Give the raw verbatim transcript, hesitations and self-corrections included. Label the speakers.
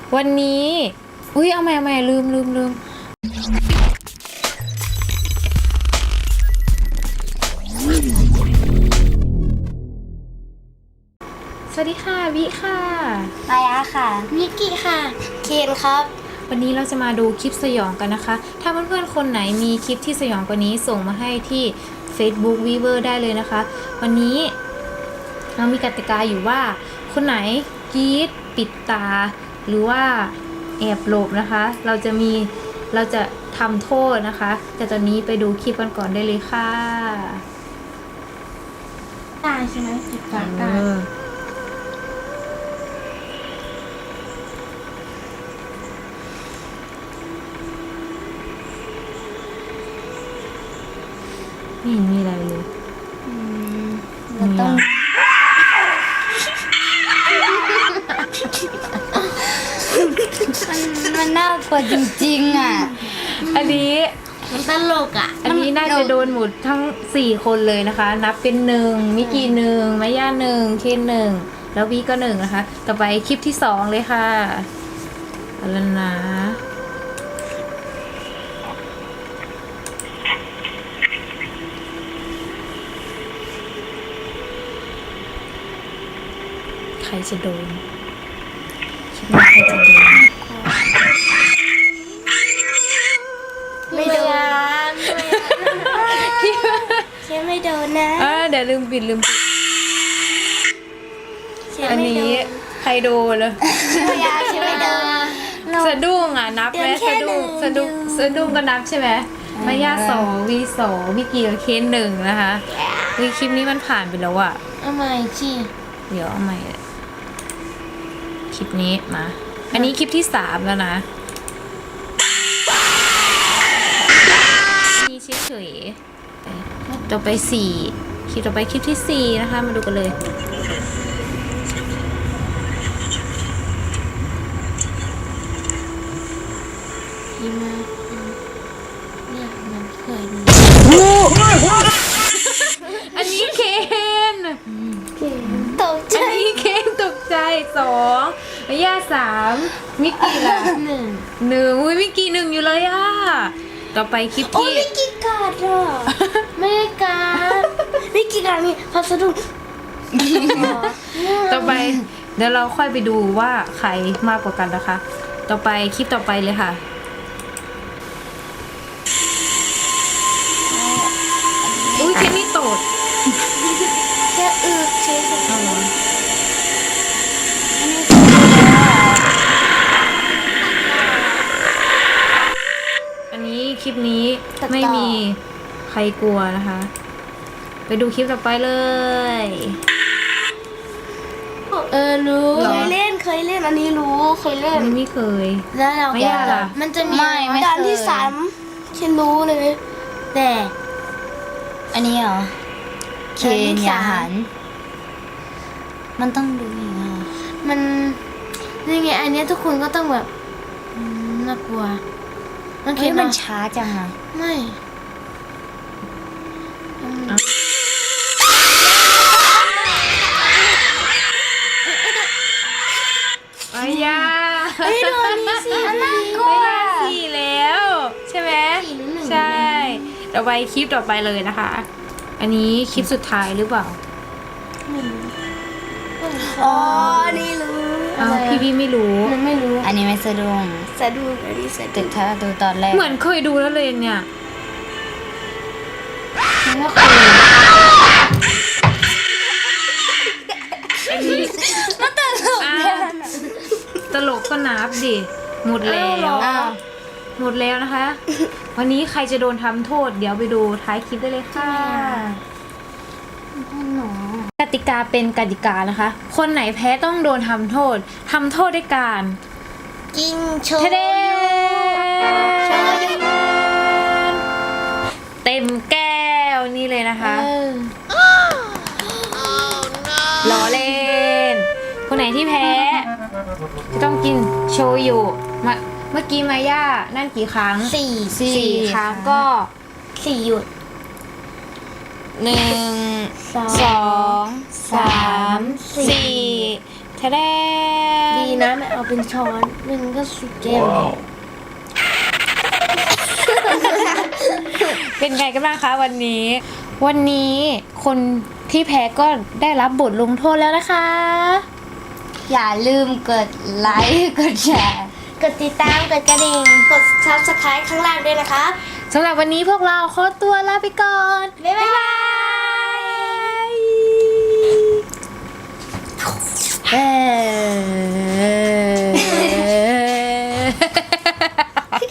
Speaker 1: วันนี้อุ้ยเอาใหม่เอาใหม่ลืมลืมลืมสวัสดีค่ะวิค่ะ
Speaker 2: มายาค่ะมิกกี้ค่ะเคนครับ
Speaker 1: วันนี้เราจะมาดูคลิปสยองกันนะคะถ้าเพื่อนๆคนไหนมีคลิปที่สยองกว่านี้ส่งมาให้ที่ Facebook Weaver ได้เลยนะคะวันนี้เรามีกติกาอยู่ว่าคนไหนกรี๊ดปิดตาหรือว่าแอบหลบนะคะเราจะมีเราจะทำโทษนะคะแต่ตอนนี้ไปดูคลิปกันก่อนได้เลยค่ะ
Speaker 2: ตาใช่ไหมปิดตาตา
Speaker 1: ไม่เห็นมีอะไรเลย
Speaker 2: เราต้องมันมันน่ากลัวจริงๆอ่ะ
Speaker 1: อันนี้
Speaker 2: มันตลกอ่ะ
Speaker 1: อันนี้น่าจะโดนหมดทั้งสี่คนเลยนะคะนับเป็นหนึ่งมิกกี้หนึ่งมายาหนึ่งเคนหนึ่งแล้ววีก็หนึ่งนะคะต่อไปคลิปที่สองเลยค่ะเอาละนะใครจะโดนคิดว่าใครจะโดน
Speaker 2: ไม่โดนเชื่อไม่โดนนะ
Speaker 1: อ่าเดี๋ยวลืมปิดลืมปิดอันนี้ใครโดนเลย
Speaker 2: ไม่ยาเชื่อไม่โดน
Speaker 1: สะดุ้งอ่ะนับไหมสะดุ้งสะดุ้งสะดุ้งก็นับใช่ไหมมายาสองวีสองพี่กีกับเคนหนึ่งนะคะวีคลิปนี้มันผ่านไปแล้วอ่ะ
Speaker 2: เอาใหม่สิ
Speaker 1: เดี๋ยวเอาใหม่คลิปนี้มาอันนี้คลิปที่สามแล้วนะนี่เฉยๆต่อไปสี่คลิปต่อไปคลิปที่สี่นะคะมาดูกันเลย
Speaker 2: ยิ้มมาเนี่ยมันเคยดู
Speaker 1: อันนี้เคน
Speaker 2: ตกใจ
Speaker 1: อันนี้เคนตกใจสองมายาสามมิกกี้ละ
Speaker 2: หนึ่ง
Speaker 1: หนึ่งอุ้ยมิกกี้หนึ่งอยู่เลยอ่ะต่อไปคลิปที่
Speaker 2: โอ้มิกกี้กาดอ่ะไม่ได้กาดมิกกี้กาดนี่พัสดุ
Speaker 1: ต่อไปเดี๋ยวเราค่อยไปดูว่าใครมากกว่ากันนะคะ ต่อไปคลิปต่อไปเลยค่ะอุ้ยคลิปนี้โตด
Speaker 2: แค่อึกเฉยๆ
Speaker 1: เอาเหรออันนี้คลิปนี้ไม่มีใครกลัวนะคะ ไปดูคลิปต่อไปเลย
Speaker 2: เออรู้เคยเล่นเคยเล่นอันนี้รู้เคยเล่น
Speaker 1: อันนี้ไม่เคย
Speaker 2: แล้วเรา
Speaker 1: ไม่ยากล่ะ
Speaker 2: มันจะมีด่านที่สามฉันรู้เลยแต่อันนี้เหรอเคนอย่าหันมันต้องดูอย่างเงี้ยมันนี่ไงอันนี้ทุกคนก็ต้องแบบน่ากลัวมันเขียนมันช้าจังอ่ะไม่
Speaker 1: มายา
Speaker 2: เฮ้ยโดนนี่สิน่ากลัว
Speaker 1: มายาสี่แล้วใช่ไหมใช่ต่อไปคลิปต่อไปเลยนะคะ อันนี้คลิปสุดท้ายหรือเปล่า
Speaker 2: อ๋อนี่รู้
Speaker 1: อ้าวพี่พี่ไม่รู้
Speaker 2: มันไม่รู้
Speaker 3: อันนี้ไม่สะดุ้ง
Speaker 2: สะดุ้งอันนี้สะดุ้ง
Speaker 3: ถ้าดูตอนแรก
Speaker 1: เหมือนเคยดูแล้วเลยเนี่ย
Speaker 2: ไม่เคย
Speaker 1: อันนี้
Speaker 2: มันตลก
Speaker 1: ตลกก็นับดิหมดแล้วหมดแล้วนะคะ วันนี้ใครจะโดนทำโทษเดี๋ยวไปดูท้ายคลิปได้เลยค่ะกติกาเป็นกติกานะคะ คนไหนแพ้ต้องโดนทำโทษทำโทษด้วยการ
Speaker 2: กินโช
Speaker 1: ว์เต็มแก้วนี่เลยนะคะล้อเล่นคนไหนที่แพ้จะต้องกินโชยุมาเมื่อกี้มาย่านั่นกี่ครั้ง
Speaker 2: สี่
Speaker 1: สี่ครั้งก็
Speaker 2: สี่หยุด
Speaker 1: หนึ่งสองสามสี่แท้แด
Speaker 3: ดีนะไม่เอาเป็นช้อนหนึ่งก็สิบแก้ว
Speaker 1: เป็นไงกันบ้างคะวันนี้ วันนี้คนที่แพ้ก็ได้รับบทลงโทษแล้วนะคะ
Speaker 2: อย่าลืมกดไลค์กดแชร์
Speaker 3: กดติดตามกดกระดิ่งกด ซับสไครบ์ ข้างล่างด้วยนะครับ
Speaker 1: สำหรับวันนี้พวกเราขอตัวลาไปก่อน
Speaker 3: บ๊ายบาย